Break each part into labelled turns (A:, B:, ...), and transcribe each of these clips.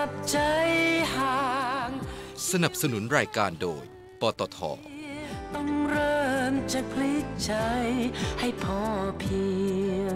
A: บใจห่าง
B: สนับสนุนรายการโดยปตท.
A: ต้องเริ่มจากพลิกใจให้พอเพียง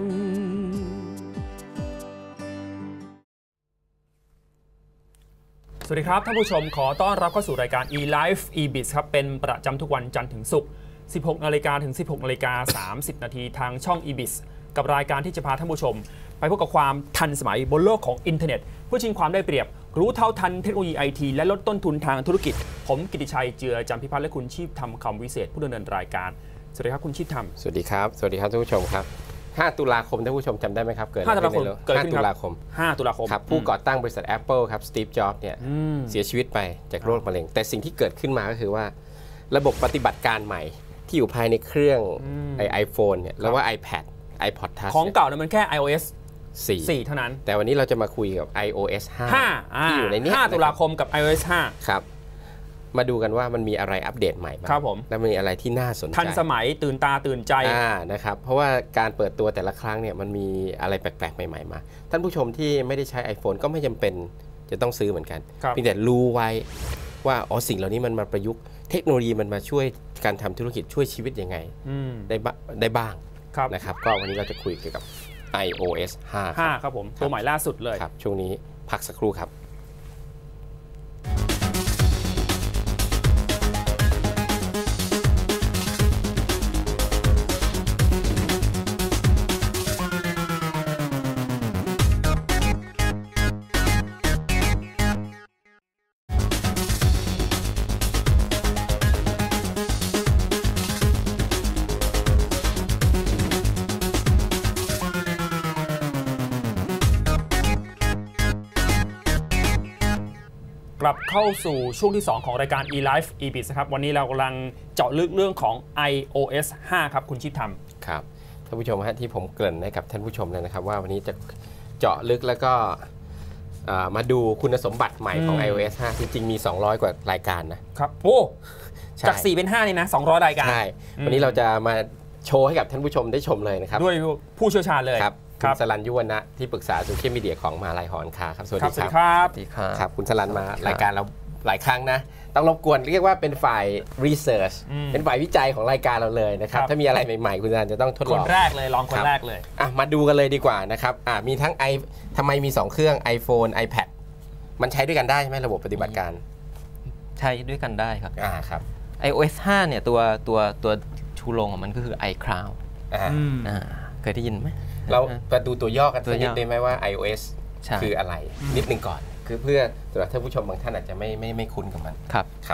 C: สวัสดีครับท่านผู้ชมขอต้อนรับเข้าสู่รายการ eLife eBiz ครับเป็นประจำทุกวันจันทร์ถึงศุกร์ 16 นาฬิกาถึง 16 นาฬิกา 30 นาทีทางช่อง eBiz กับรายการที่จะพาท่านผู้ชมไปพบกับความทันสมัยบนโลกของอินเทอร์เน็ตเพื่อชิงความได้เปรียบรู้เท่าทันเทคโนโลยีไอทีและลดต้นทุนทางธุรกิจผมกิติชัยเจือจำพิพัฒน์และคุณชีพธรรมคำวิเศษผู้ดำเนินรายการสวัสดีครับคุณชีพธรรม
D: สวัสดีครับท่านผู้ชมครับ5 ตุลาคมท่านผู้ชมจำได้ไหมครับเกิด
C: 5 ตุลาคม
D: 5 ตุลาคม
C: 5 ตุลาคม
D: ครับผู้ก่อตั้งบริษัท Apple ครับสตีฟ จ็อบส์เนี่ยเสียชีวิตไปจากโรคมะเร็งแต่สิ่งที่เกิดขึ้นมาก็คือว่าระบบปฏิบัติการใหม่ที่อยู่ภายในเครื่องไอโฟนเนี่ยแล้วว่า iPod Touch
C: ของเก่าเนี่ยมันแค่ iOS 4 เท่านั้น
D: แต่วันนี้เราจะมาคุยกับ iOS 5 ที่อยู่ในนี้
C: 5 ตุลาคมกับ iOS 5
D: ครับมาดูกันว่ามันมีอะไรอัปเดตใหม่บ้างและมีอะไรที่น่าสนใจ
C: ทันสมัยตื่นตาตื่นใจ
D: นะครับเพราะว่าการเปิดตัวแต่ละครั้งเนี่ยมันมีอะไรแปลกๆใหม่ๆมาท่านผู้ชมที่ไม่ได้ใช้ iPhone ก็ไม่จำเป็นจะต้องซื้อเหมือนกันเพียงแต่รู้ไว้ว่าสิ่งเหล่านี้มันมาประยุกต์เทคโนโลยีมันมาช่วยการทำธุรกิจช่วยชีวิตยังไงได้บ้างนะครับก็วันนี้เราจะคุยเกี่ยวกับ iOS 5
C: ครับผมตัวใหม่ล่าสุดเลย
D: ครับช่วงนี้พักสักครู่ครับ
C: กลับเข้าสู่ช่วงที่ 2 ของรายการ eLife eBiz นะครับวันนี้เรากำลังเจาะลึกเรื่องของ iOS 5 ครับคุณชิดธรรม
D: ครับท่านผู้ชมฮะที่ผมเกริ่นให้กับท่านผู้ชมเลยนะครับว่าวันนี้จะเจาะลึกแล้วก็มาดูคุณสมบัติใหม่ของ iOS 5 จริงๆมี200 กว่ารายการ
C: นะครับโอ้จาก4เป็น5นี่นะ200รายการ
D: ใช่วันนี้เราจะมาโชว์ให้กับท่านผู้ชมได้ชมเลยนะครับ
C: ด้วยผู้เชี่ยวชาญเลย
D: คุณสรัญ ยุวนะที่ปรึกษาโซเชียลมีเดียของมหาลัยหอการค้าครับสวัสดีครับครับคุณสรัญมารายการเราหลายครั้งนะต้องรบกวนเรียกว่าเป็นฝ่ายรีเสิร์ชเป็นฝ่ายวิจัยของรายการเราเลยนะครับถ้ามีอะไรใหม่ๆคุณสรัญจะต้องทดลอง
C: คนแรกเลยลองคนแรกเลย
D: มาดูกันเลยดีกว่านะครับมีทั้งทำไมมี2เครื่อง iPhone iPad มันใช้ด้วยกันได้ใช่ไหมระบบปฏิบัติการ
E: ใช้ด้วยกันได้ครับ
D: ครับ
E: iOS 5 เนี่ยตัวชูโรงของมันก็คือ iCloud เคยได้ยินไหม
D: เราไปดูตัวย่อกันสักนิดได้ไหมว่า iOS คืออะไรนิดนึงก่อนคือเพื่อสำหรับท่านผู้ชมบางท่านอาจจะไม่คุ้นกับมันครับ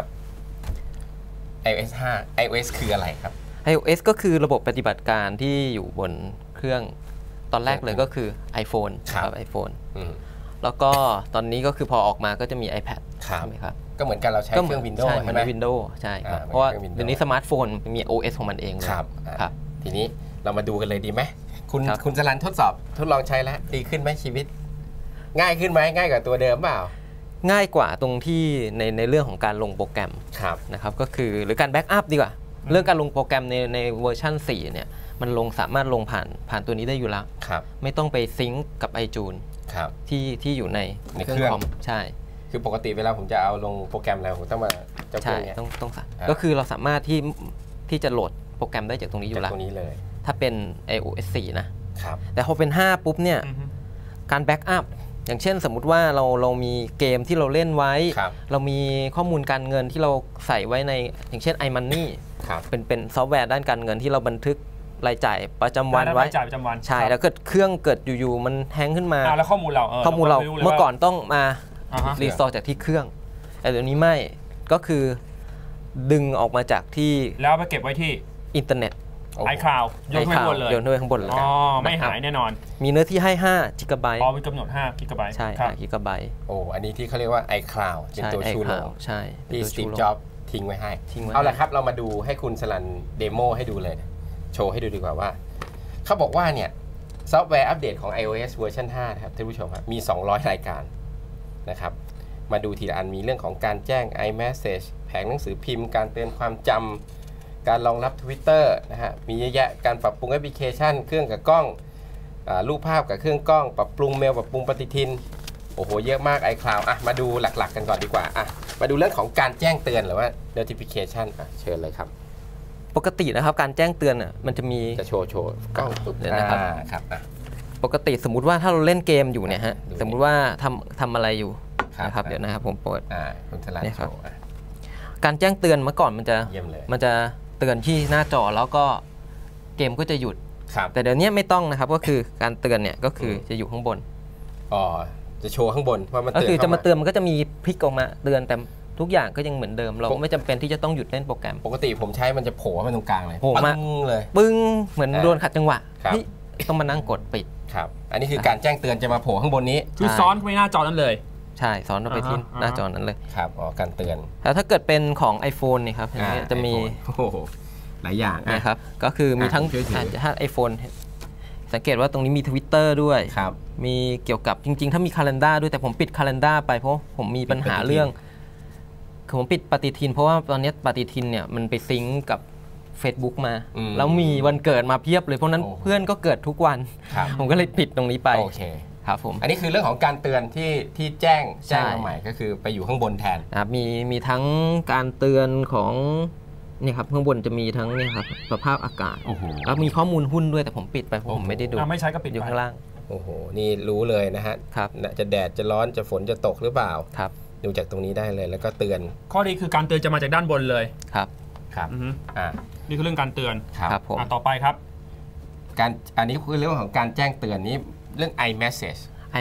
D: iOS 5 iOS คืออะไรครับ
E: iOS ก็คือระบบปฏิบัติการที่อยู่บนเครื่องตอนแรกเลยก็คือ iPhone ครับ iPhone แล้วก็ตอนนี้ก็คือพอออกมาก็จะมี iPad ใช่ไหมครับ
D: ก็เหมือนกันเราใช้เครื่อง Windows
E: ใช่ไหม Windows ใช่ครับเพราะว่าเดี๋ยวนี้สมาร์ทโฟนมี OS ของมันเองเลย
D: ครับทีนี้เรามาดูกันเลยดีไหมคุณสรัญทดลองใช้แล้วดีขึ้นไหมชีวิตง่ายขึ้นไหมง่ายกว่าตัวเดิมเปล่า
E: ง่ายกว่าตรงที่ในเรื่องของการลงโปรแกรมนะครับก็คือหรือการแบ็กอัพดีกว่าเรื่องการลงโปรแกรมในเวอร์ชัน4เนี่ยมันสามารถลงผ่านตัวนี้ได้อยู่แล้วไม่ต้องไปซิงก์กับ iTunes ที่อยู่ในเครื่องคอมใช่
D: คือปกติเวลาผมจะเอาลงโปรแกรมอะไรผมต้องมาจะ
E: ใช่ต้องก็คือเราสามารถที่จะโหลดโปรแกรมได้จากตรงนี้อยู่แล้วถ้าเป็น iOS 4 นะแต่พอเป็น5ปุ๊บเนี่ยการแบ็กอัพอย่างเช่นสมมุติว่าเรามีเกมที่เราเล่นไว้เรามีข้อมูลการเงินที่เราใส่ไว้ในอย่างเช่น iMoney เป็นซอฟต์แวร์ด้านการเงินที่เราบันทึกรายจ่ายประจำวันไว้ใช่แล้วเกิดเครื่องเกิดอยู่ๆมันแฮงขึ้นมา
C: แล้วข้อมูลเรา
E: เมื่อก่อนต้องมารีสตอร์จากที่เครื่องแต่เดี๋ยวนี้ไม่ก็คือดึงออกมาจากที่
C: แล้วไปเก็บไว้ที่
E: อินเทอร์เน็ต
C: iCloud โยนข้างบนเลย
E: โยนข้างบนเลย
C: ไม่หายแน่นอน
E: มีเนื้อที่ให้5 กิกะไบต์
C: มีกำหนด5 กิกะไบต์
E: ใช่5 กิกะไบต์
D: อันนี้ที่เขาเรียกว่า iCloud เป็นตัวชูโรง
E: ใช่
D: ที่สตีฟ จ็อบส์ทิ้งไว้ให้เอาละครับเรามาดูให้คุณสรัญเดโมให้ดูเลยโชว์ให้ดูดีกว่าว่าเขาบอกว่าเนี่ยซอฟต์แวร์อัปเดตของ iOS เวอร์ชัน5ครับท่านผู้ชมครับมี200รายการนะครับมาดูทีละอันมีเรื่องของการแจ้ง iMessage แผงหนังสือพิมพ์การเตือนความจำการรองรับ Twitter นะฮะมีเยอะแยะการปรับปรุงแอปพลิเคชันเครื่องกับกล้องรูปภาพกับเครื่องกล้องปรับปรุงเมลปรับปรุงปฏิทินโอ้โหเยอะมาก iCloud มาดูหลักๆกันก่อนดีกว่ามาดูเรื่องของการแจ้งเตือนหรือว่า notification เชิญเลยครับ
E: ปกตินะครับการแจ้งเตือนมันจะมี
D: จะโชว์กล้องปุ๊บเลยนะครับ
E: ปกติสมมุติว่าถ้าเราเล่นเกมอยู่เนี่ยฮะสมมุติว่าทำอะไรอยู่นะครับเดี๋ยวนะครับผมเปิด
D: คุณสลันโชว์
E: การแจ้งเตือนเมื่อก่อนมันจะเตือนที่หน้าจอแล้วก็เกมก็จะหยุดแต่เดี๋ยวนี้ไม่ต้องนะครับก็คือการเตือนเนี่ยก็คือจะอยู่ข้างบน
D: จะโชว์ข้างบนว่ามัน
E: ก็คือจะมาเตือนมันก็จะมีพลิกออกมาเตือนแต่ทุกอย่างก็ยังเหมือนเดิมเราไม่จำเป็นที่จะต้องหยุดเล่นโปรแกรม
D: ปกติผมใช้มันจะโผล่มาตรงกลางเลย
E: โผล่มา
D: เลย
E: ปึ้งเหมือนโดนขัดจังหวะต้องมานั่งกดปิด
D: ครับอันนี้คือการแจ้งเตือนจะมาโผล่ข้างบนนี้
C: คือซ้อนไปหน้าจอนั้นเลย
E: ใช่ซ้อนไปที่หน้าจอนั้นเลย
D: ครับการเตือน
E: แล้วถ้าเกิดเป็นของ iPhone นี่ครับจะมี
D: หลายอย่าง
E: นะครับก็คือมีทั้งถ้า iPhone สังเกตว่าตรงนี้มี Twitter ด้วยมีเกี่ยวกับจริงๆถ้ามี Calendar ด้วยแต่ผมปิด Calendar ไปเพราะผมมีปัญหาเรื่องคือผมปิดปฏิทินเพราะว่าตอนนี้ปฏิทินเนี่ยมันไปซิงก์กับ Facebook มาแล้วมีวันเกิดมาเพียบเลยเพราะนั้นเพื่อนก็เกิดทุกวันผมก็เลยปิดตรงนี้ไป
D: โอเค
E: ครับผม
D: อันนี้คือเรื่องของการเตือนที่แจ้งมาใหม่ก็คือไปอยู่ข้างบนแทน
E: มีทั้งการเตือนของนี่ครับข้างบนจะมีทั้งนี่ครับสภาพอากาศแล้วมีข้อมูลหุ้นด้วยแต่ผมปิดไปผมไม่ได้ดู
C: ไม่ใช้ก็ปิด
E: อยู่ข้างล่าง
D: โอ้โหนี่รู้เลยนะฮะจะแดดจะร้อนจะฝนจะตกหรือเปล่า
E: ครับ
D: ดูจากตรงนี้ได้เลยแล้วก็เตือน
C: ข้อดีคือการเตือนจะมาจากด้านบนเลย
E: ครับ
C: นี่คือเรื่องการเตือน
E: ครับผม
C: ต่อไปครับ
D: อันนี้คือเรื่องของการแจ้งเตือนนี้เรื่อง iMessage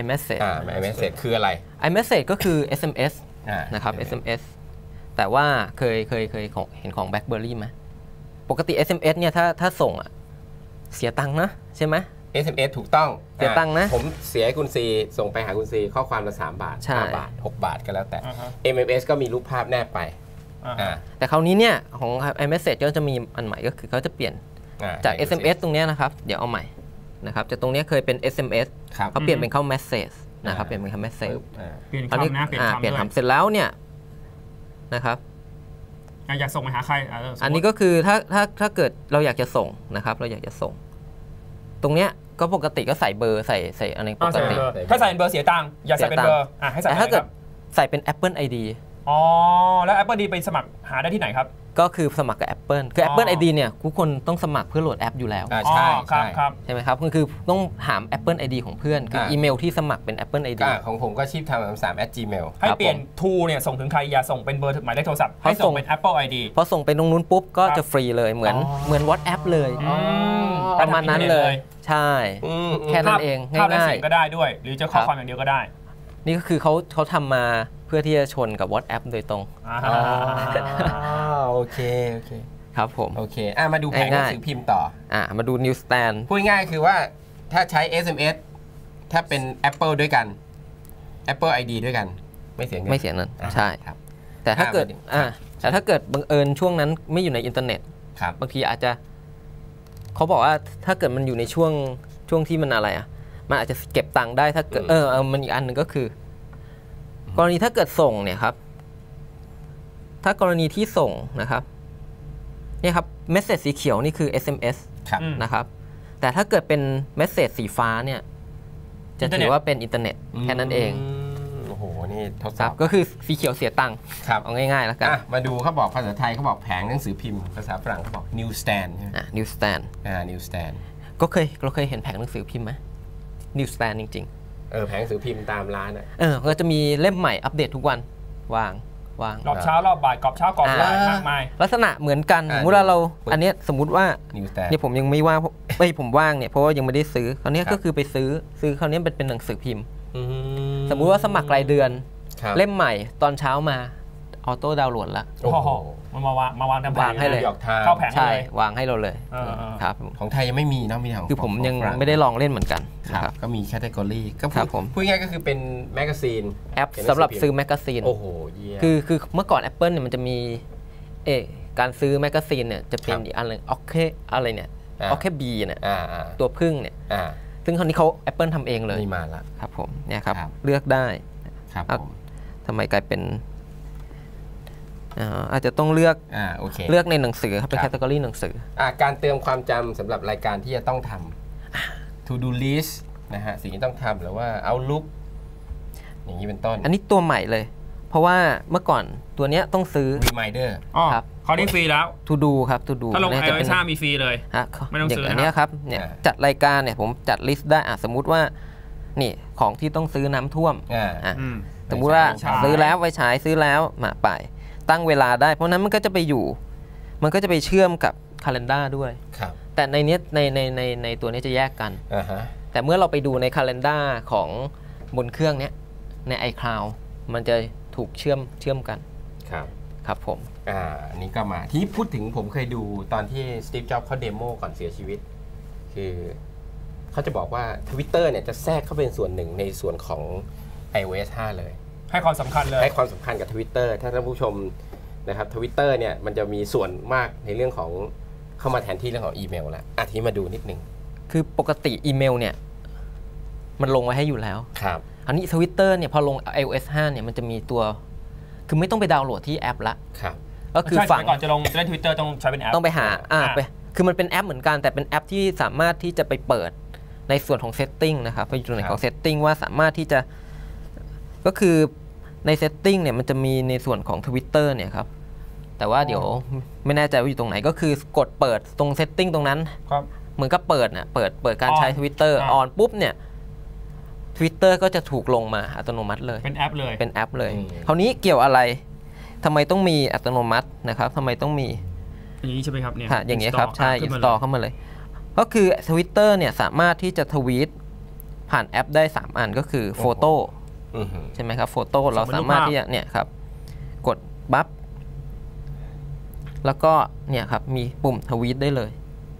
D: iMessage คืออะไร
E: iMessage ก็คือ SMS นะครับ SMS แต่ว่าเคยเห็นของ BlackBerry ไหมปกติ SMS เนี่ยถ้าส่งเสียตังค์นะใช่ไหม
D: SMS ถูกต้อง
E: เสียตังค์นะ
D: ผมเสียให้คุณซีส่งไปหาคุณซีข้อความละ3 บาท5 บาท6 บาทก็แล้วแต่ MMS ก็มีรูปภาพแนบไป
E: แต่คราวนี้เนี่ยของ iMessage ก็จะมีอันใหม่ก็คือเขาจะเปลี่ยนจาก SMS ตรงนี้นะครับเดี๋ยวเอาใหม่นะครับจากตรงนี้เคยเป็น SMS เขาเปลี่ยนเป็นเข้า Message นะครับเปลี่ยนเป็นเข้า Message
C: เปลี่ยนคำนะเปลี่ยน
E: คำเสร็จแล้วเนี่ยนะครับ
C: อยากส่งไปหาใคร
E: อันนี้ก็คือถ้าเกิดเราอยากจะส่งนะครับเราอยากจะส่งตรงเนี้ยก็ปกติก็ใส่เบอร์ใส่อะไรปกติ
C: ถ้าใส่เบอร์เสียตังค์อย่าใส่เป็นเบอร์ให้ใส่
E: แต่ถ้าเกิดใส่เป็น Apple ID
C: แล้ว Apple ID ไปสมัครหาได้ที่ไหนครับ
E: ก็คือสมัครกับ Apple คือ Apple ID เนี่ยทุกคนต้องสมัครเพื่อโหลดแอปอยู่แล้ว
D: ใช่
E: ใช่ไหมครับคือต้องถาม Apple ID ของเพื่อนคืออีเมลที่สมัครเป็น Apple ID
D: ของผมก็ชีพทำ3@gmail
C: ให้เปลี่ยน to เนี่ยส่งถึงใครอย่าส่งเป็นเบอร์หมายเลขโทรศัพท์ให้ส่งเป็น Apple ID
E: พอส่งไปตรงนู้นปุ๊บก็จะฟรีเลยเหมือน WhatsApp เลยประมาณนั้นเลยใช่แค่นั้นเองง่ายๆภาพและ
C: เสียงก็ได้ด้วยหรือจะข้อความอย่างเดียวก็ได้
E: นี่ก็คือเขาทำมาเพื่อที่จะชนกับ WhatsApp โดยตรง
D: โอเค
E: ครับผม
D: โอเคมาดูแผงหนังสือพิมพ์ต่อ
E: มาดู Newsstand
D: พูดง่ายคือว่าถ้าใช้ SMS ถ้าเป็น Apple ด้วยกัน Apple ID ด้วยกันไม่เสียเงิน
E: ไม่เสียเงินใช่ครับแต่ถ้าเกิดบังเอิญช่วงนั้นไม่อยู่ในอินเทอร์เน็ตบางทีอาจจะเขาบอกว่าถ้าเกิดมันอยู่ในช่วงที่มันอะไรมันอาจจะเก็บตังค์ได้ถ้าเกิดมันอีกอันหนึ่งก็คือกรณีถ้าเกิดส่งเนี่ยครับถ้ากรณีที่ส่งนะครับเนี่ยครับเมสเสจสีเขียวนี่คือ SMS นะครับแต่ถ้าเกิดเป็นเมสเสจสีฟ้าเนี่ยจะถือว่าเป็นอินเทอร์เน็ตแค่นั้นเอง
D: โอ้โหนี่ทดสอบ
E: ก็คือสีเขียวเสียตังค์เอาง่ายๆแล้วกัน
D: มาดูเขาบอกภาษาไทยเขาบอกแผงหนังสือพิมพ์ภาษาฝรั่งเขาบอก newsstand
E: newsstand
D: newsstand
E: ก็เราเคยเห็นแผงหนังสือพิมพ์ไหม newsstand จริง
D: ๆแผงหนังสือพิมพ์ตามร้าน
E: ก็จะมีเล่มใหม่อัปเดตทุกวันวาง
C: รอบเช้ารอบบ่ายกรอบเช้ากรอบบ่ายมากมาย
E: ลักษณะเหมือนกันสมมติว่าเราอันนี้สมมุติว่าเนี่ยผมยังไม่ว่างผมว่างเนี่ยเพราะว่ายังไม่ได้ซื้อคราวนี้ก็คือไปซื้อคราวนี้เป็นหนังสือพิมพ์สมมุติว่าสมัครรายเดือนเล่มใหม่ตอนเช้ามาออโต้ดาวน์โหลดละ
C: มันมาวางทำ
E: วางให้เลย
C: เข้าแผง
E: ใช่วางให้เราเลยครับ
D: ของไทยยังไม่มีนะมีของ
E: คือผมยังไม่ได้ลองเล่นเหมือนกัน
D: ครับก็มีแคตตากรีก็พูดง่ายก็คือเป็นแมกกาซีน
E: แอปสำหรับซื้อแมกกาซีน
D: โอ้โห
E: คือเมื่อก่อน Apple เนี่ยมันจะมีการซื้อแมกกาซีนเนี่ยจะเป็นอีกอันนึงโอเคอะไรเนี่ยโอเคบีเนี่ยตัวพึ่งเนี่ยซึ่งคราวนี้เขา Apple ทำเองเลย
D: มีมาละ
E: ครับผมเนี่ยครับเลือกได้
D: ครับ
E: ทำไมกลายเป็นอาจจะต้องเลือกเลือกในหนังสือครับเป็นแคตตากรีหนังสือ
D: การเติมความจำสำหรับรายการที่จะต้องทำ to do list นะฮะสิ่งที่ต้องทำหรือว่า Outlook อย่างนี้เป็นต้น
E: อันนี้ตัวใหม่เลย เพราะว่าเมื่อก่อนตัวเนี้ยต้องซื้อ
D: reminder
E: ครับ
C: เขาได้ฟรีแล้ว
E: to do ครับ to do
C: ถ้าลง iOS 5มีฟรีเลยไม่ต้องซื้อ
E: อย่างนี้ครับเนี่ยจัดรายการเนี่ยผมจัดลิสต์ได้สมมุติว่านี่ของที่ต้องซื้อน้ำท่วมสมมุติว่าซื้อแล้วไว้ใช้ซื้อแล้วมาไปตั้งเวลาได้เพราะนั้นมันก็จะไปอยู่มันก็จะไปเชื่อมกับ calendar ด้วยแต่ในนี้ในตัวนี้จะแยกกันแต่เมื่อเราไปดูใน calendar ของบนเครื่องนี้ใน iCloud มันจะถูกเชื่อมกันครับผม
D: อันนี้ก็มาที่พูดถึงผมเคยดูตอนที่สตีฟ จ็อบส์เขาเดโมก่อนเสียชีวิตคือเขาจะบอกว่า Twitter เนี่ยจะแทรกเข้าเป็นส่วนหนึ่งในส่วนของ iOS 5 เลย
C: ให้ความสำคัญเลย
D: ให้ความสำคัญกับ Twitter ถ้าท่านผู้ชมนะครับ Twitter เนี่ยมันจะมีส่วนมากในเรื่องของเข้ามาแทนที่เรื่องของอีเมลแล้วทีนี้มาดูนิดนึง
E: คือปกติอีเมลเนี่ยมันลงไว้ให้อยู่แล้ว
D: ครับ
E: อันนี้ Twitter เนี่ยพอลง iOS 5 เนี่ยมันจะมีตัวคือไม่ต้องไปดาวน์โหลดที่แอปละก็คือ
C: ฝั่งก่อนจะลงเล่น Twitter ต้องใช้เป็นแอป
E: ต้องไปหาไปคือมันเป็นแอปเหมือนกันแต่เป็นแอปที่สามารถที่จะไปเปิดในส่วนของ setting นะครับไปอยู่ในของ setting ว่าสามารถที่จะก็คือใน setting เนี่ยมันจะมีในส่วนของ Twitter เนี่ยครับแต่ว่าเดี๋ยวไม่แน่ใจว่าอยู่ตรงไหนก็คือกดเปิดตรง setting ตรงนั้นเหมือนกับเปิดเปิดการใช้ Twitter ออนปุ๊บเนี่ย Twitter ก็จะถูกลงมาอัตโนมัติเลย
C: เป็นแอป
E: เลยคราวนี้เกี่ยวอะไรทำไมต้องมีอัตโนมัตินะครับทำไมต้องมี
C: อย่างนี้ใช่ไหมครับเนี่ย
E: อย่างนี้ครับใช่ install เข้ามาเลยก็คือ Twitter เนี่ยสามารถที่จะทวีตผ่านแอปได้3อันก็คือโฟโต้ใช่ไหมครับโฟโต้เราสามารถที่จะเนี่ยครับกดบัฟแล้วก็เนี่ยครับมีปุ่มทวีตได้เลย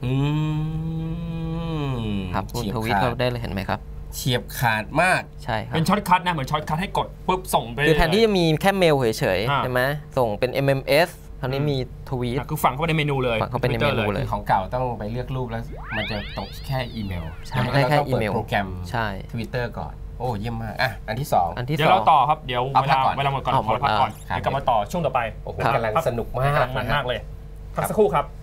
E: ครับปุ่มทวีตเข้าได้เลยเห็นไหมครับ
D: เฉียบขาดมาก
E: ใช่ครับ
C: เป็นช็อตคัทนะเหมือนช็อตคัทให้กดปุ๊บส่งไป
E: คือแทนที่จะมีแค่เมลเฉยๆใช่ไหมส่งเป็น MMS คราวนี้มีทวีต
C: คือฝังเข้าไปในเมนูเลย
E: ฝังเข้าไปในเมนูเลย
D: ของเก่าต้องไปเลือกรูปแล้วมันจะตกแค่อีเมล
E: ใช่แค่อีเมล
D: โปรแกรม
E: ใช่
D: Twitter ก่อนโอ้เยี่ยมมากอันที่2
C: เดี๋ยวเราต่อครับเดี๋ยวเวลาหมดก่อนขอพักก่อนเดี๋ยวกลับมาต่อช่วงต่อไป
D: โอ้โหกำลังสนุกมาก
C: มากเลยพักสักครู่ครับ